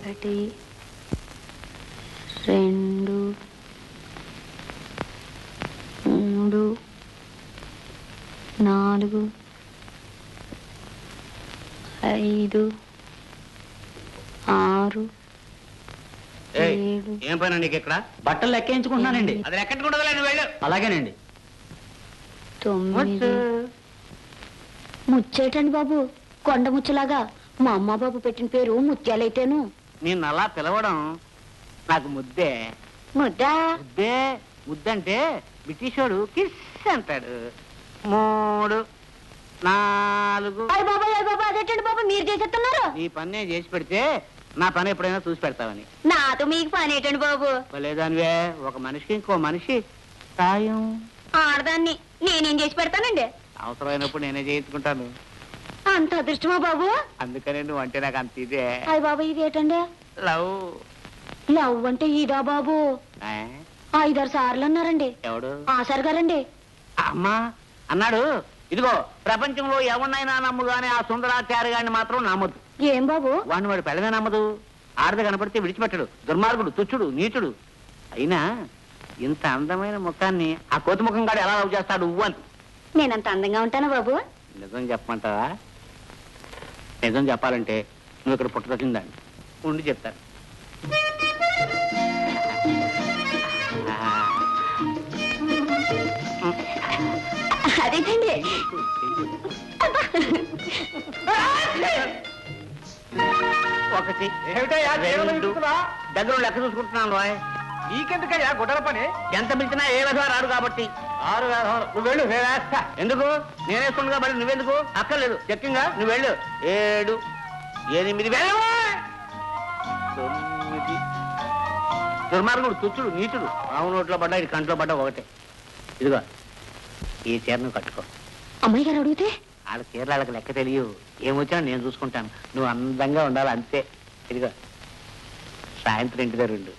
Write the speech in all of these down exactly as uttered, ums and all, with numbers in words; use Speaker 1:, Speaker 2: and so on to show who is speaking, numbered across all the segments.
Speaker 1: ఒకటి రెండు మూడు నాలుగు ఐదు ఆరు ఏడు.
Speaker 2: ఏం పైన నీకు ఇక్కడ
Speaker 3: బట్టలు లెక్కించుకుంటున్నానండి.
Speaker 2: అది ఎక్కడికి నువ్వు వెళ్ళు.
Speaker 3: అలాగేనండి.
Speaker 1: తొమ్మిది. ముచ్చేటండి బాబు, కొండ ముచ్చలాగా. మా అమ్మ బాబు పెట్టిన పేరు ముత్యాలైతేను.
Speaker 2: నిన్ను అలా పిలవడం నాకు ముద్దే.
Speaker 1: ముద్దా?
Speaker 2: ముద్దే. ముద్దంటే బ్రిటిష్ వాడు కిస్ అంటాడు. మూడు నాలుగు.
Speaker 1: అయ్య బాబా అయ్య బాబా, అదేటండి బాబు మీరు చేసేస్తున్నారు?
Speaker 2: నీ పని నేను చేసి పెడితే నా పని ఎప్పుడైనా చూసి పెడతావని.
Speaker 1: నాతో మీకు పని ఏంటండి బాబు?
Speaker 2: లేదానివే, ఒక మనిషికి ఇంకో మనిషి సాయం.
Speaker 1: ఆడదాన్ని నేనేం చేసి పెడతానండి?
Speaker 2: అవసరమైనప్పుడు నేనే చేయించుకుంటాను.
Speaker 1: అంత అదృష్టమా బాబు?
Speaker 2: అందుకనే నువ్వు అంటే నాకు అంత ఇదే.
Speaker 1: అయ్య బాబా, ఇదేటండి?
Speaker 2: లవ్.
Speaker 1: లవ్ అంటే ఇదా బాబు?
Speaker 2: ఆ?
Speaker 1: ఐదారు సార్లు అన్నారండి.
Speaker 2: ఎవడు?
Speaker 1: ఆసారు గారండి.
Speaker 2: అమ్మా అన్నాడు. ఇదిగో, ప్రపంచంలో ఎవరినైనా నమ్ము గానీ ఆ సుందరాచార్య గారిని మాత్రం నమ్మదు.
Speaker 1: ఏం బాబు?
Speaker 2: వాడిని వాడు పెళ్ళమే నమ్మదు. ఆడది కనపడితే విడిచిపెట్టడు. దుర్మార్గుడు, తుచ్చుడు, నీచుడు. అయినా ఇంత అందమైన ముఖాన్ని ఆ కోతి ముఖం గాడు ఎలా లవ్ చేస్తాడు అని.
Speaker 1: నేనంత అందంగా ఉంటానా బాబు?
Speaker 2: నిజం చెప్పమంటావా? నిజం చెప్పాలంటే నువ్వు ఇక్కడ పుట్టదొచ్చిందాన్ని ఉండి చెప్తాను.
Speaker 1: అదేంటండి?
Speaker 2: ఒకటి రెండు దగ్గర లెక్క చూసుకుంటున్నాను రాయ్. నీకెందుకయ్యా గుడ్డల పని? ఎంత పిలిచినా ఏ విధంగా రాడు కాబట్టి. ఆరు నువ్వు వెళ్ళు, నేను వేస్తా. ఎందుకు? నేనేస్తుండగా మరి నువ్వెందుకు? అక్కర్లేదు, చెక్కింగా నువ్వు వెళ్ళు. ఏడు ఎనిమిది వేలు. తొమ్మిది. దుర్మార్గుడు, తుచ్చుడు, నీచుడు. ఆవు నోట్లో పడ్డా ఇది కంట్లో పడ్డా ఒకటే. ఇదిగో, ఈ చీర నువ్వు కట్టుకో.
Speaker 1: అమ్మాయి గారు అడిగితే?
Speaker 2: వాళ్ళ చీరలు వాళ్ళకి లెక్క తెలియవు. ఏమొచ్చినా నేను చూసుకుంటాను. నువ్వు అందంగా ఉండాలి అంతే. ఇదిగో, సాయంత్రం ఇంటి దగ్గర ఉండు.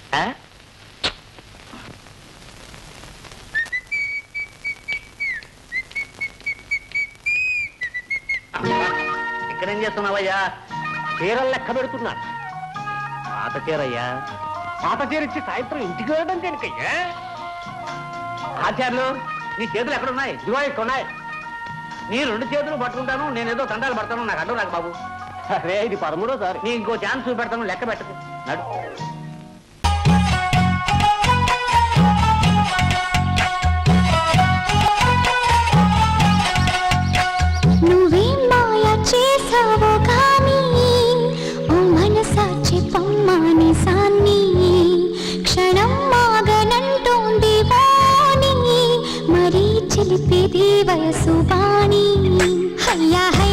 Speaker 2: ఇక్కడేం చేస్తున్నావయ్యా? చీరలు లెక్క పెడుతున్నాను. పాత చీరయ్యా. పాత చీర ఇచ్చి సాయంత్రం ఇంటికి వెళ్ళడం దేనికయ్యా? ఆచార్యులు, నీ చేతులు ఎక్కడున్నాయి? ఇదిగో ఉన్నాయి. నీ రెండు చేతులు పట్టుకుంటాను, నేనేదో తండాలు పడతాను. నాకు అడ్డం నాకు బాబు. అరే, ఇది పదమూడో సారి. నీ ఇంకో ఛాన్స్ చూపెడతాను, లెక్క పెట్టకు. నడు.
Speaker 4: నువ్వేం మాయ చేసావో కానీ ఓ మనసాచి పమ్మాని సాన్ని క్షణం మాగనంటోంది వాణి మరీ చిలిపేది వయసు వాణి. హయ్యా